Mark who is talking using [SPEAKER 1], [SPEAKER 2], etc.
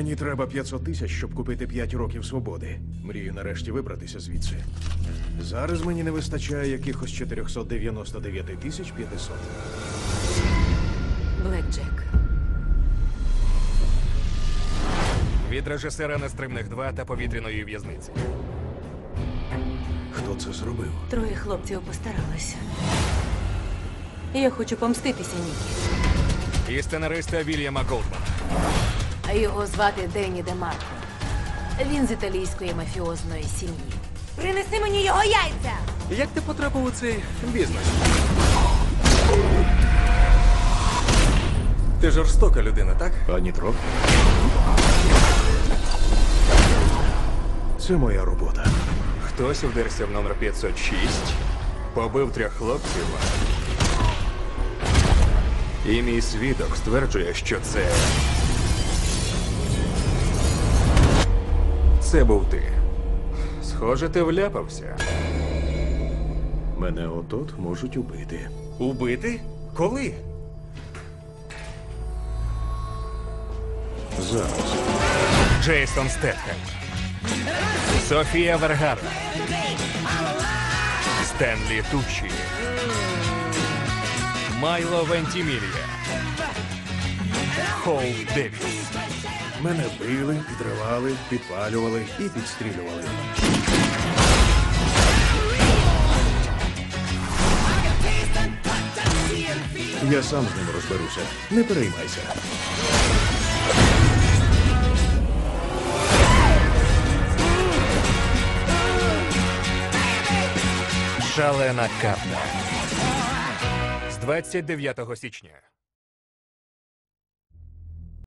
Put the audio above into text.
[SPEAKER 1] Мені треба 500 тисяч, щоб купити 5 років свободи. Мрію нарешті вибратися звідси. Зараз мені не вистачає якихось 499 тисяч 500.
[SPEAKER 2] Блекджек.
[SPEAKER 3] Від режисера «Нестримних 2» та «Повітряної в'язниці».
[SPEAKER 1] Хто це зробив?
[SPEAKER 2] Троє хлопців постаралися. Я хочу помститися Нікі.
[SPEAKER 3] І сценариста Вільяма Голдмана.
[SPEAKER 2] Його звати Денні Демарко. Він з італійської мафіозної сім'ї. Принеси мені його яйця!
[SPEAKER 3] Як ти потрапив у цей бізнес? Ти жорстока людина, так?
[SPEAKER 1] Ані трохи. Це моя робота.
[SPEAKER 3] Хтось вдерся в номер 506, побив 3 хлопців. І мій свідок стверджує, що це був ти. Схоже, ти вляпався.
[SPEAKER 1] Мене от-от можуть убити.
[SPEAKER 3] Убити? Коли?
[SPEAKER 1] Зараз.
[SPEAKER 3] Джейсон Стетхем, Софія Вергара, Стенлі Туччі, Майло Вентімілія, Хоул Девіс.
[SPEAKER 1] Мене били, підривали, підпалювали і підстрілювали. Я сам з ним розберуся. Не переймайся.
[SPEAKER 3] Шалена карта. З 29 січня.